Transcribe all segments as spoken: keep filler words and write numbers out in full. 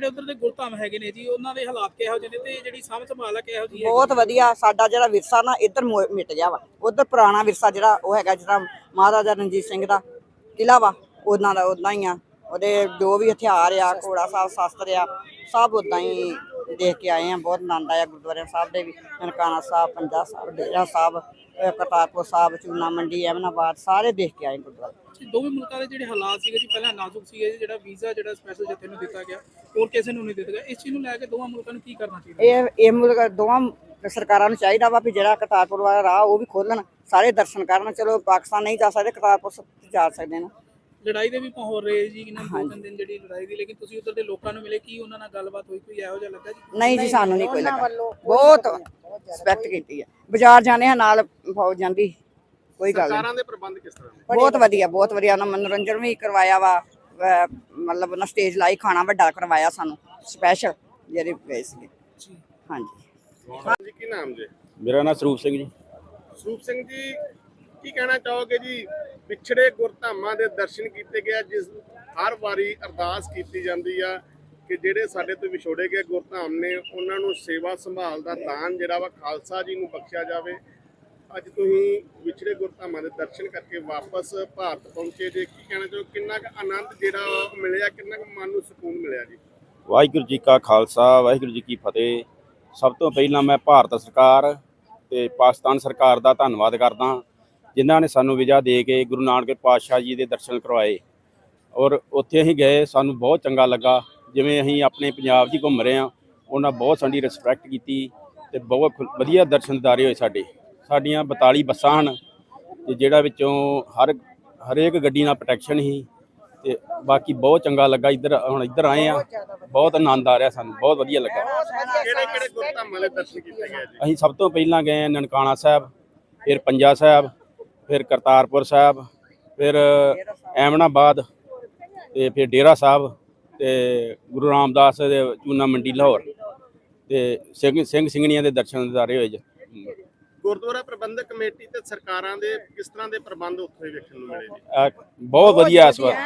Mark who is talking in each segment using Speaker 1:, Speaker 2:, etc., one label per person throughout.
Speaker 1: उधर दे गुरधाम हैगे ने जी उन्हां दे हालात किहो ਜਿਹੇ ਨੇ ਤੇ ਜਿਹੜੀ ਸਾਂਭ ਸੰਭਾਲ ਹੈ ਕਿਹੋ ਜਿਹੀ ਹੈ?
Speaker 2: ਬਹੁਤ ਵਧੀਆ। ਸਾਡਾ ਜਿਹੜਾ ਵਿਰਸਾ ਨਾ ਇੱਧਰ ਮੁ- ਮਿਟ ਗਿਆ ਵਾ। ਉਧਰ ਪੁਰਾਣਾ ਵਿਰਸਾ ਜਿਹੜਾ ਉਹ ਹੈਗਾ, ਜਿਹੜਾ ਮਹਾਰਾਜਾ ਰਣਜੀਤ ਸਿੰਘ ਦਾ ਕਿਲ੍ਹਾ ਵਾ, ਉਹਨਾਂ ਦਾ ਉਦਾਂ ਹੀ ਆ। ਉਹਦੇ ਜੋ ਵੀ ਹਥਿਆਰ ਆ, ਘੋੜਾ ਸਾਹਿਬ ਸ਼ਾਸਤਰ ਆ, ਸਭ ਉਦਾਂ ਹੀ ਦੇਖ ਕੇ ਆਏ ਆ। ਬਹੁਤ ਆਨੰਦ ਆਇਆ ਗੁਰਦੁਆਰੇ ਸਾਹਿਬ ਦੇ ਵੀ। ਨਨਕਾਣਾ ਸਾਹਿਬ, ਪੰਜਾ ਸਾਹਿਬ, ਡੇਰਾ ਸਾਹਿਬ, ਕਰਤਾਰਪੁਰ ਸਾਹਿਬ, ਚੂਨਾ ਮੰਡੀ, ਐਮਨਾਬਾਦ, ਸਾਰੇ ਦੇਖ ਕੇ ਆਏ ਗੁਰਦੁਆਰੇ।
Speaker 1: ਦੋਵੇਂ ਮੁਲਕਾਂ ਦੇ ਜਿਹੜੇ ਹਾਲਾਤ ਸੀਗੇ ਜੀ ਪਹਿਲਾਂ ਨਾਜ਼ੁਕ ਸੀਗੇ, ਜਿਹੜਾ ਵੀਜ਼ਾ ਜਿਹੜਾ ਸਪੈਸ਼ਲ ਜਥੇ ਨੂੰ ਦਿੱਤਾ ਗਿਆ ਹੋਰ ਕਿਸੇ ਨੂੰ ਨਹੀਂ ਦਿੱਤਾ ਗਿਆ, ਇਸ ਚੀਜ਼ ਨੂੰ ਲੈ ਕੇ ਦੋਵਾਂ ਮੁਲਕਾਂ ਨੂੰ ਕੀ ਕਰਨਾ ਚਾਹੀਦਾ?
Speaker 2: ਇਹ ਇਹ ਮੁਲਕ ਦੋਵਾਂ ਸਰਕਾਰਾਂ ਨੂੰ ਚਾਹੀਦਾ ਵਾ ਵੀ ਜਿਹੜਾ ਕਰਤਾਰਪੁਰ ਵਾਲਾ ਰਾਹ ਉਹ ਵੀ ਖੋਲਣ, ਸਾਰੇ ਦਰਸ਼ਨ ਕਰਨ। ਚਲੋ ਪਾਕਿਸਤਾਨ ਨਹੀਂ ਜਾ ਸਕਦੇ, ਕਰਤਾਰਪੁਰ ਜਾ ਸਕਦੇ ਨੇ।
Speaker 1: ਲੜਾਈ ਦੇ ਵੀ ਮਾਹੌਲ ਰਹੇ ਜੀ ਇਹਨਾਂ ਦੋ ਤਿੰਨ ਦਿਨ ਜਿਹੜੀ ਲੜਾਈ ਦੀ, ਲੇਕਿਨ ਤੁਸੀਂ ਉੱਧਰ ਦੇ ਲੋਕਾਂ ਨੂੰ ਮਿਲੇ, ਕੀ ਉਹਨਾਂ ਨਾਲ ਗੱਲਬਾਤ ਹੋਈ, ਕੋਈ ਇਹੋ ਜਿਹਾ ਲੱਗਾ ਜੀ?
Speaker 2: ਨਹੀਂ ਜੀ, ਸਾਨੂੰ ਨਹੀਂ ਕੋਈ ਲੱਗਾ। ਬਹੁਤ ਰਿਸਪੈਕਟ ਕੀਤੀ ਹੈ। ਬਾਜ਼ਾਰ ਜਾਣੇ ਆ ਨਾਲ ਫੌਜ ਜਾਂਦੀ, ਕੋਈ ਗੱਲ ਨਹੀਂ।
Speaker 3: ਸਰਕਾਰਾਂ ਦੇ ਪ੍ਰਬੰਧ ਕਿਸ ਤਰ੍ਹਾਂ ਦੇ?
Speaker 2: ਬਹੁਤ ਵਧੀਆ, ਬਹੁਤ ਵਧੀਆ। ਉਹਨਾਂ ਮਨੋਰੰਜਨ ਵੀ ਕਰਵਾਇਆ ਵਾ, ਮਤਲਬ ਉਹਨਾਂ ਸਟੇਜ ਲਾਈ, ਖਾਣਾ ਵੱਡਾ ਕਰਵਾਇਆ ਸਾਨੂੰ ਸਪੈਸ਼ਲ ਜਿਹੜੇ ਗਏ ਸੀ। ਹਾਂਜੀ
Speaker 3: ਹਾਂਜੀ, ਕੀ ਨਾਮ ਜੀ?
Speaker 4: ਮੇਰਾ ਨਾਮ ਸਰੂਪ ਸਿੰਘ ਜੀ।
Speaker 3: ਸਰੂਪ ਸਿੰਘ ਜੀ, ਕੀ ਕਹਿਣਾ ਚਾਹੋਗੇ ਜੀ? ਵਿਛੜੇ ਗੁਰਧਾਮਾਂ ਦੇ ਦਰਸ਼ਨ ਕੀਤੇ ਗਏ, ਜਿਸ ਹਰ ਵਾਰੀ ਅਰਦਾਸ ਕੀਤੀ ਜਾਂਦੀ ਆ ਕਿ ਜਿਹੜੇ ਸਾਡੇ ਤੋਂ ਵਿਛੋੜੇ ਗਏ ਗੁਰਧਾਮ ਨੇ ਉਹਨਾਂ ਨੂੰ ਸੇਵਾ ਸੰਭਾਲ ਦਾ ਦਾਨ ਜਿਹੜਾ ਵਾ ਖਾਲਸਾ ਜੀ ਨੂੰ ਬਖਸ਼ਿਆ ਜਾਵੇ। ਅੱਜ ਤੁਸੀਂ ਵਿਛੜੇ ਗੁਰਧਾਮਾਂ ਦੇ ਦਰਸ਼ਨ ਕਰਕੇ ਵਾਪਸ ਭਾਰਤ ਪਹੁੰਚੇ ਜੇ, ਕੀ ਕਹਿਣਾ ਚਾਹੋ? ਕਿੰਨਾ ਕੁ ਆਨੰਦ ਜਿਹੜਾ ਮਿਲਿਆ, ਕਿੰਨਾ ਕੁ ਮਨ ਨੂੰ ਸਕੂਨ ਮਿਲਿਆ ਜੀ?
Speaker 4: ਵਾਹਿਗੁਰੂ ਜੀ ਕਾ ਖਾਲਸਾ, ਵਾਹਿਗੁਰੂ ਜੀ ਕੀ ਫਤਿਹ। ਸਭ ਤੋਂ ਪਹਿਲਾਂ ਮੈਂ ਭਾਰਤ ਸਰਕਾਰ ਤੇ ਪਾਕਿਸਤਾਨ ਸਰਕਾਰ ਦਾ ਧੰਨਵਾਦ ਕਰਦਾ, ਜਿਨ੍ਹਾਂ ਨੇ ਸਾਨੂੰ ਵੀਜ਼ਾ ਦੇ ਕੇ ਗੁਰੂ ਨਾਨਕ ਪਾਤਸ਼ਾਹ ਜੀ ਦੇ ਦਰਸ਼ਨ ਕਰਵਾਏ। ਔਰ ਉੱਥੇ ਅਸੀਂ ਗਏ, ਸਾਨੂੰ ਬਹੁਤ ਚੰਗਾ ਲੱਗਾ। ਜਿਵੇਂ ਅਸੀਂ ਆਪਣੇ ਪੰਜਾਬ 'ਚ ਘੁੰਮ ਰਹੇ ਹਾਂ, ਉਹਨਾਂ ਬਹੁਤ ਸਾਡੀ ਰਿਸਪੈਕਟ ਕੀਤੀ ਤੇ ਬਹੁਤ ਵਧੀਆ ਦਰਸ਼ਨਦਾਰੇ ਹੋਏ। ਸਾਡੇ ਸਾਡੀਆਂ ਬਤਾਲੀ ਬੱਸਾਂ ਹਨ ਤੇ ਜਿਹੜਾ ਵਿੱਚੋਂ ਹਰ ਹਰੇਕ ਗੱਡੀ ਨਾਲ ਪ੍ਰੋਟੈਕਸ਼ਨ ਸੀ ਤੇ ਬਾਕੀ ਬਹੁਤ ਚੰਗਾ ਲੱਗਾ। ਇੱਧਰ ਹੁਣ ਇੱਧਰ ਆਏ ਆ, ਬਹੁਤ ਆਨੰਦ ਆ ਰਿਹਾ ਸਾਨੂੰ, ਬਹੁਤ ਵਧੀਆ ਲੱਗਾ।
Speaker 3: ਕਿਹੜੇ ਕਿਹੜੇ ਗੁਰਧਾਮਾਂ ਦੇ ਦਰਸ਼ਨ ਕੀਤੇ ਗਏ ਜੀ?
Speaker 4: ਅਸੀਂ ਸਭ ਤੋਂ ਪਹਿਲਾਂ ਗਏ ਨਨਕਾਣਾ ਸਾਹਿਬ, ਫਿਰ ਪੰਜਾ ਸਾਹਿਬ, ਫਿਰ ਕਰਤਾਰਪੁਰ ਸਾਹਿਬ, ਫਿਰ ਐਮਨਾਬਾਦ ਤੇ ਫਿਰ ਡੇਰਾ ਸਾਹਿਬ ਤੇ ਗੁਰੂ ਰਾਮਦਾਸ ਦੇ ਚੂਨਾ ਮੰਡੀ ਲਾਹੌਰ ਤੇ ਸਿੰਘ ਸਿੰਘ ਸਿੰਘਣੀਆਂ ਦੇ ਦਰਸ਼ਨ ਦਿਦਾਰੇ ਹੋਏ ਜੀ।
Speaker 3: ਗੁਰਦੁਆਰਾ ਪ੍ਰਬੰਧਕ ਕਮੇਟੀ ਤੇ ਸਰਕਾਰਾਂ ਦੇ ਕਿਸ ਤਰ੍ਹਾਂ ਦੇ ਪ੍ਰਬੰਧ ਉੱਥੇ ਵੇਖਣ ਨੂੰ ਮਿਲੇ ਜੀ?
Speaker 4: ਅਹ ਬਹੁਤ ਵਧੀਆ ਇਸ ਵਾਰ।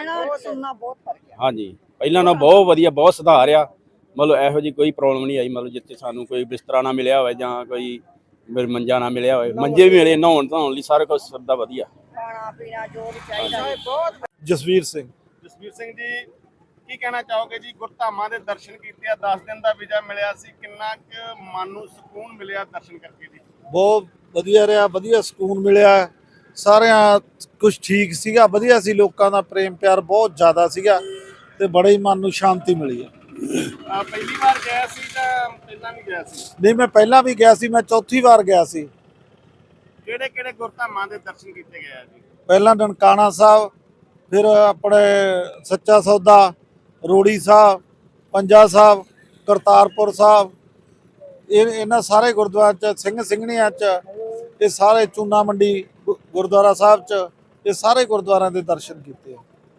Speaker 4: ਹਾਂਜੀ, ਪਹਿਲਾਂ ਨਾਲੋਂ ਬਹੁਤ ਵਧੀਆ, ਬਹੁਤ ਸੁਧਾਰ ਆ। ਮਤਲਬ ਇਹੋ ਜਿਹੀ ਕੋਈ ਪ੍ਰੋਬਲਮ ਨਹੀਂ ਆਈ। ਮਤਲਬ ਜਿੱਥੇ ਸਾਨੂੰ ਕੋਈ ਬਿਸਤਰਾ ਨਾ ਮਿਲਿਆ ਹੋਵੇ ਜਾਂ ਕੋਈ ਮੰਜਾ ਨਾ ਮਿਲਿਆ ਹੋਵੇ, ਮੰਜੇ ਵੀ ਮਿਲੇ, ਨਹਾਉਣ ਧੋਣ ਲਈ ਸਾਰਾ ਕੁਝ ਸਭ ਦਾ ਵਧੀਆ।
Speaker 2: ਖਾਣਾ ਪੀਣਾ ਜੋ ਵੀ ਚਾਹੀਦਾ। ਬਹੁਤ
Speaker 5: ਜਸਵੀਰ ਸਿੰਘ।
Speaker 3: ਜਸਵੀਰ ਸਿੰਘ ਜੀ, ਕੀ ਕਹਿਣਾ ਚਾਹੋਗੇ ਜੀ? ਗੁਰਧਾਮਾਂ ਦੇ ਦਰਸ਼ਨ ਕੀਤੇ ਆ, ਦਸ ਦਿਨ ਦਾ ਵੀਜ਼ਾ ਮਿਲਿਆ ਸੀ, ਕਿੰਨਾ ਕੁ ਮਨ ਨੂੰ ਸਕੂਨ ਮਿਲਿਆ ਦਰਸ਼ਨ ਕਰਕੇ ਜੀ?
Speaker 5: ਬਹੁਤ ਵਧੀਆ ਰਿਹਾ, ਵਧੀਆ ਸਕੂਨ ਮਿਲਿਆ। ਸਾਰਿਆਂ ਕੁਝ ਠੀਕ ਸੀਗਾ, ਵਧੀਆ ਸੀ। ਲੋਕਾਂ ਦਾ ਪ੍ਰੇਮ ਪਿਆਰ ਬਹੁਤ ਜ਼ਿਆਦਾ ਸੀਗਾ ਤੇ ਬੜੇ ਹੀ ਮਨ ਨੂੰ ਸ਼ਾਂਤੀ ਮਿਲੀ ਹੈ।
Speaker 3: ਪਹਿਲੀ ਵਾਰ ਗਿਆ ਸੀ ਜਾਂ ਪਹਿਲਾਂ ਵੀ ਗਿਆ ਸੀ?
Speaker 5: ਨਹੀਂ, ਮੈਂ ਪਹਿਲਾਂ ਵੀ ਗਿਆ ਸੀ, ਮੈਂ ਚੌਥੀ ਵਾਰ ਗਿਆ ਸੀ।
Speaker 3: ਕਿਹੜੇ ਕਿਹੜੇ ਗੁਰਧਾਮਾਂ ਦੇ ਦਰਸ਼ਨ ਕੀਤੇ ਗਏ ਆ ਜੀ?
Speaker 5: ਪਹਿਲਾਂ ਨਨਕਾਣਾ ਸਾਹਿਬ, ਫਿਰ ਆਪਣੇ ਸੱਚਾ ਸੌਦਾ, ਰੋੜੀ ਸਾਹਿਬ, ਪੰਜਾ ਸਾਹਿਬ, ਕਰਤਾਰਪੁਰ ਸਾਹਿਬ, ਇਹ ਇਹਨਾਂ ਸਾਰੇ ਗੁਰਦੁਆਰਿਆਂ 'ਚ, ਸਿੰਘ ਸਿੰਘਣੀਆਂ 'ਚ, ਇਹ ਸਾਰੇ ਚੂਨਾ ਮੰਡੀ ਗੁਰਦੁਆਰਾ ਸਾਹਿਬ 'ਚ, ਇਹ ਸਾਰੇ ਗੁਰਦੁਆਰਿਆਂ ਦੇ ਦਰਸ਼ਨ ਕੀਤੇ।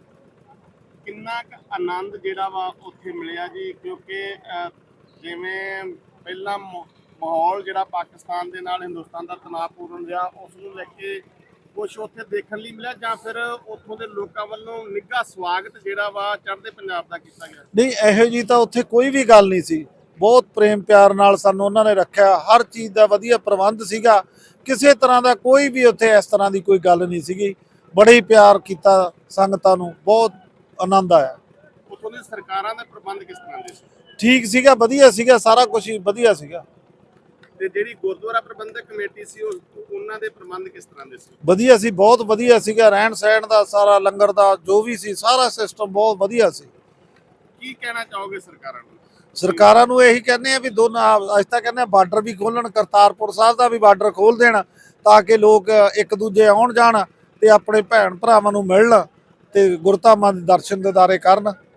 Speaker 3: ਕਿੰਨਾ ਕੁ ਆਨੰਦ ਜਿਹੜਾ ਵਾ ਉੱਥੇ ਮਿਲਿਆ ਜੀ? ਕਿਉਂਕਿ ਜਿਵੇਂ ਪਹਿਲਾਂ ਮਾਹੌਲ ਜਿਹੜਾ ਪਾਕਿਸਤਾਨ ਦੇ ਨਾਲ ਹਿੰਦੁਸਤਾਨ ਦਾ ਤਣਾਅਪੂਰਨ ਰਿਹਾ, ਉਸ ਨੂੰ ਲੈ ਕੇ ਕੁਛ ਉੱਥੇ ਦੇਖਣ ਲਈ ਮਿਲਿਆ ਜਾਂ ਫਿਰ ਉੱਥੋਂ ਦੇ ਲੋਕਾਂ ਵੱਲੋਂ ਨਿੱਘਾ ਸਵਾਗਤ ਜਿਹੜਾ ਵਾ ਚੜ੍ਹਦੇ ਪੰਜਾਬ ਦਾ ਕੀਤਾ ਗਿਆ?
Speaker 5: ਨਹੀਂ, ਇਹੋ ਜਿਹੀ ਤਾਂ ਉੱਥੇ ਕੋਈ ਵੀ ਗੱਲ ਨਹੀਂ ਸੀ। ਬਹੁਤ ਪ੍ਰੇਮ ਪਿਆਰ ਨਾਲ ਸਾਨੂੰ ਉਹਨਾਂ ਨੇ ਰੱਖਿਆ। ਹਰ ਚੀਜ਼ ਦਾ ਵਧੀਆ ਪ੍ਰਬੰਧ ਸੀਗਾ। ਕਿਸੇ ਤਰ੍ਹਾਂ ਦਾ ਕੋਈ ਵੀ ਉੱਥੇ ਇਸ ਤਰ੍ਹਾਂ ਦੀ ਕੋਈ ਗੱਲ ਨਹੀਂ ਸੀਗੀ। ਬੜੇ ਹੀ ਪਿਆਰ ਕੀਤਾ ਸੰਗਤਾਂ ਨੂੰ, ਬਹੁਤ ਆਨੰਦ ਆਇਆ।
Speaker 3: ਉੱਥੋਂ ਦੀ ਸਰਕਾਰਾਂ ਦੇ ਪ੍ਰਬੰਧ ਕਿਸ ਤਰ੍ਹਾਂ ਦੇ ਸੀ?
Speaker 5: ਠੀਕ ਸੀਗਾ, ਵਧੀਆ ਸੀਗਾ, ਸਾਰਾ ਕੁਝ ਹੀ ਵਧੀਆ ਸੀਗਾ।
Speaker 3: ਤੇ ਜਿਹੜੀ ਗੁਰਦੁਆਰਾ ਪ੍ਰਬੰਧਕ ਕਮੇਟੀ ਸੀ, ਉਹ ਉਹਨਾਂ ਦੇ ਪ੍ਰਬੰਧ ਕਿਸ ਤਰ੍ਹਾਂ ਦੇ ਸੀ?
Speaker 5: ਵਧੀਆ ਸੀ, ਬਹੁਤ ਵਧੀਆ ਸੀਗਾ। ਰਹਿਣ ਸਹਿਣ ਦਾ, ਸਾਰਾ ਲੰਗਰ ਦਾ ਜੋ ਵੀ ਸੀ, ਸਾਰਾ ਸਿਸਟਮ ਬਹੁਤ ਵਧੀਆ ਸੀ।
Speaker 3: ਕੀ ਕਹਿਣਾ ਚਾਹੋਗੇ ਸਰਕਾਰਾਂ ਨੂੰ?
Speaker 5: ਸਰਕਾਰਾਂ ਨੂੰ ਇਹੀ ਕਹਿੰਦੇ ਆ ਵੀ ਦੋਨਾਂ, ਅੱਜ ਤਾਂ ਕਹਿੰਦੇ ਆ ਬਾਰਡਰ ਵੀ ਖੋਲਣ, ਕਰਤਾਰਪੁਰ ਸਾਹਿਬ ਦਾ ਵੀ ਬਾਰਡਰ ਖੋਲ ਦੇਣ ਤਾਂ ਕਿ ਲੋਕ ਇੱਕ ਦੂਜੇ ਆਉਣ ਜਾਣ ਤੇ ਆਪਣੇ ਭੈਣ ਭਰਾਵਾਂ ਨੂੰ ਮਿਲਣ ਤੇ ਗੁਰਧਾਮਾਂ ਦੇ ਦਰਸ਼ਨ ਦਿਦਾਰੇ ਕਰਨ।